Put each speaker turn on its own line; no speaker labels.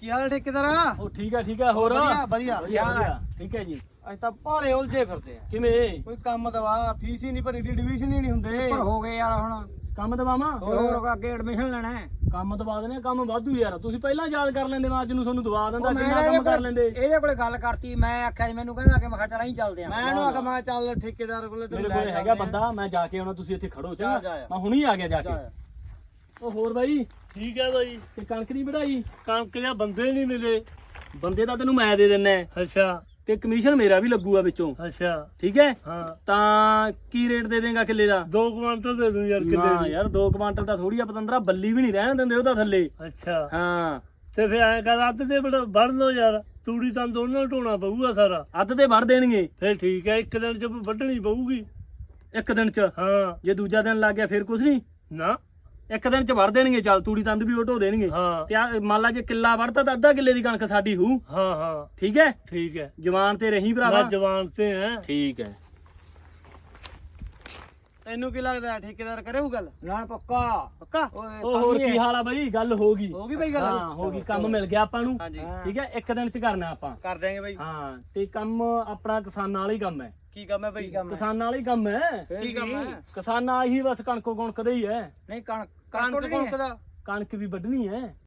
ਕੀ ਹਾਲ ਠੇਕੇਦਾਰ?
ਉਹ ਠੀਕ ਹੈ ਹੋਰ
ਵਧੀਆ
ਠੀਕ ਹੈ ਜੀ।
ਅੱਜ ਤਾਂ ਭਾਲੇ ਉਲਝੇ ਫਿਰਦੇ ਆ।
ਕਿਵੇਂ
ਕੋਈ ਕੰਮ ਦਵਾ, ਫੀਸ ਹੀ ਨਹੀਂ ਭਰੀ ਦੀ, ਐਡਮਿਸ਼ਨ ਹੀ ਨਹੀਂ ਹੁੰਦੇ।
ਪਰ ਹੋ ਗਏ ਯਾਰ ਹੁਣ
ਕੰਮ ਦਵਾਵਾਂ?
ਹੋਰ ਅੱਗੇ ਐਡਮਿਸ਼ਨ ਲੈਣਾ ਹੈ।
ਕੰਮ ਦਵਾ ਦੇਣੇ, ਕੰਮ ਵਾਧੂ ਯਾਰ। ਤੁਸੀਂ ਪਹਿਲਾਂ ਯਾਦ ਕਰ ਲੈਂਦੇ, ਮੈਂ ਅੱਜ ਨੂੰ ਤੁਹਾਨੂੰ ਦਵਾ ਦਿੰਦਾ।
ਮੈਂ
ਕਿੰਨਾ ਕੰਮ ਕਰ ਲੈਂਦੇ।
ਇਹਦੇ ਕੋਲੇ ਗੱਲ ਕਰਤੀ, ਮੈਂ ਆਖਿਆ ਸੀ ਮੈਨੂੰ ਕਹਿੰਦਾ ਕਿ ਮੈਂ ਕਿਹਾ ਚੱਲ ਅਸੀਂ ਚੱਲਦੇ ਆਂ।
ਮੈਂ ਇਹਨੂੰ ਆਖਿਆ ਮੈਂ ਚੱਲ ਠੇਕੇਦਾਰ ਕੋਲੇ
ਮੇਰੇ ਕੋਲ ਹੈਗਾ ਬੰਦਾ, ਮੈਂ ਜਾ ਕੇ ਆਉਣਾ, ਤੁਸੀਂ ਇੱਥੇ ਖੜੋ ਚੰਗਾ। ਮੈਂ ਹੁਣੀ ਆ ਗਿਆ ਜਾ ਕੇ। ਉਹ ਹੋਰ ਬਾਈ
ਠੀਕ ਹੈ ਬਾਈ।
ਤੇ ਕਣਕ ਨਹੀਂ ਵਢਾਈ?
ਕਣਕ ਦੇ ਬੰਦੇ ਨਹੀਂ ਮਿਲੇ।
ਬੰਦੇ ਤਾਂ ਤੈਨੂੰ ਮੈਂ ਦੇ ਦਿੰਨਾ,
ਅੱਛਾ
ਤੇ ਕਮਿਸ਼ਨ ਮੇਰਾ ਵੀ ਲੱਗੂਗਾ ਵਿੱਚੋਂ।
ਅੱਛਾ
ਠੀਕ ਹੈ,
ਹਾਂ।
ਤਾਂ ਕੀ ਰੇਟ ਦੇ ਦੇਂਗਾ ਕਿੱਲੇ ਦਾ?
2 ਕੁਆਂਟਲ ਦੇ ਦੂੰ ਯਾਰ
ਨਾ
ਕਿੱਲੇ ਦੀ।
ਯਾਰ 2 ਕੁਆਂਟਲ ਤਾਂ ਥੋੜੀ ਆ, ਪਤੰਦਰਾ ਬੱਲੀ ਵੀ ਨਹੀਂ ਰਹਿਣ ਦਿੰਦੇ ਉਹਦਾ ਥੱਲੇ।
ਅੱਛਾ
ਹਾਂ
ਤੇ ਫਿਰ ਐਂ ਕਰ ਅੱਧ ਤੇ ਵੜ ਲਓ ਯਾਰ। ਤੂੜੀ ਤਾਂ ਦੋਨਾਂ ਢੋਣਾ ਪਊਗਾ ਸਾਰਾ।
ਅੱਧ ਤੇ ਵੜ ਦੇਣਗੇ।
ਫਿਰ ਠੀਕ ਹੈ, ਇੱਕ ਦਿਨ ਚ ਵੱਢਣੀ ਪਊਗੀ।
ਇੱਕ ਦਿਨ ਚ?
ਹਾਂ।
ਜੇ ਦੂਜਾ ਦਿਨ ਲੱਗ ਗਿਆ ਫਿਰ ਕੁਝ ਨਹੀਂ?
ਨਾ
ਇੱਕ ਦਿਨ ਚ ਵੜ ਦੇਣਗੇ। ਚੱਲ ਤੂੜੀ ਤੰਦ ਵੀ ਉਹ ਢੋ ਦੇਣਗੇ।
ਹਾਂ
ਤੇ ਮੰਨ ਲਾ ਜੇ ਕਿੱਲਾ ਵੜਤਾ ਤਾਂ ਅੱਧਾ ਕਿੱਲੇ ਦੀ ਕਣਕ ਸਾਡੀ ਹੋਊ।
ਹਾਂ ਹਾਂ
ਠੀਕ ਹੈ,
ਠੀਕ ਹੈ।
ਜਵਾਨ ਤੇ ਰਹੀ ਭਰਾਵਾ।
ਮੈਂ ਜਵਾਨ ਤੇ ਹੈ।
ਠੀਕ ਹੈ।
ਤੈਨੂੰ ਕੀ ਲੱਗਦਾ ਠੇਕੇਦਾਰ ਕਰੇ ਉਹ ਗੱਲ?
ਨਾ ਪੱਕਾ
ਪੱਕਾ?
ਉਹ ਹੋਰ ਕੀ ਹਾਲ ਆ ਬਾਈ? ਗੱਲ ਹੋ ਗਈ।
ਹੋ ਗਈ ਬਈ ਗੱਲ?
ਹਾਂ ਹੋ ਗਈ, ਕੰਮ ਮਿਲ ਗਿਆ ਆਪਾਂ ਨੂੰ।
ਹਾਂਜੀ
ਠੀਕ ਹੈ, ਇੱਕ ਦਿਨ ਚ ਕਰਨਾ ਆਪਾਂ।
ਕਰ ਦਿਆਂਗੇ ਬਈ।
ਹਾਂ ਤੇ ਕੰਮ ਆਪਣਾ ਕਿਸਾਨਾਂ ਵਾਲਾ ਹੀ ਕੰਮ ਹੈ।
ਕੀ ਕੰਮ ਹੈ ਬਈ?
ਕਿਸਾਨਾਂ ਵਾਲਾ ਹੀ ਕੰਮ ਹੈ।
ਕੀ ਕੰਮ ਹੈ?
ਕਿਸਾਨਾਂ ਹੀ ਬਸ ਕਣਕੋ ਕਣਕ ਦਾ ਹੀ ਹੈ।
ਨਹੀਂ ਕਣਕ
ਕਣਕ
ਵੱਢਣੀ ਹੈ।
ਦਾ
ਕਣਕ ਵੀ ਵੱਢਣੀ ਹੈ।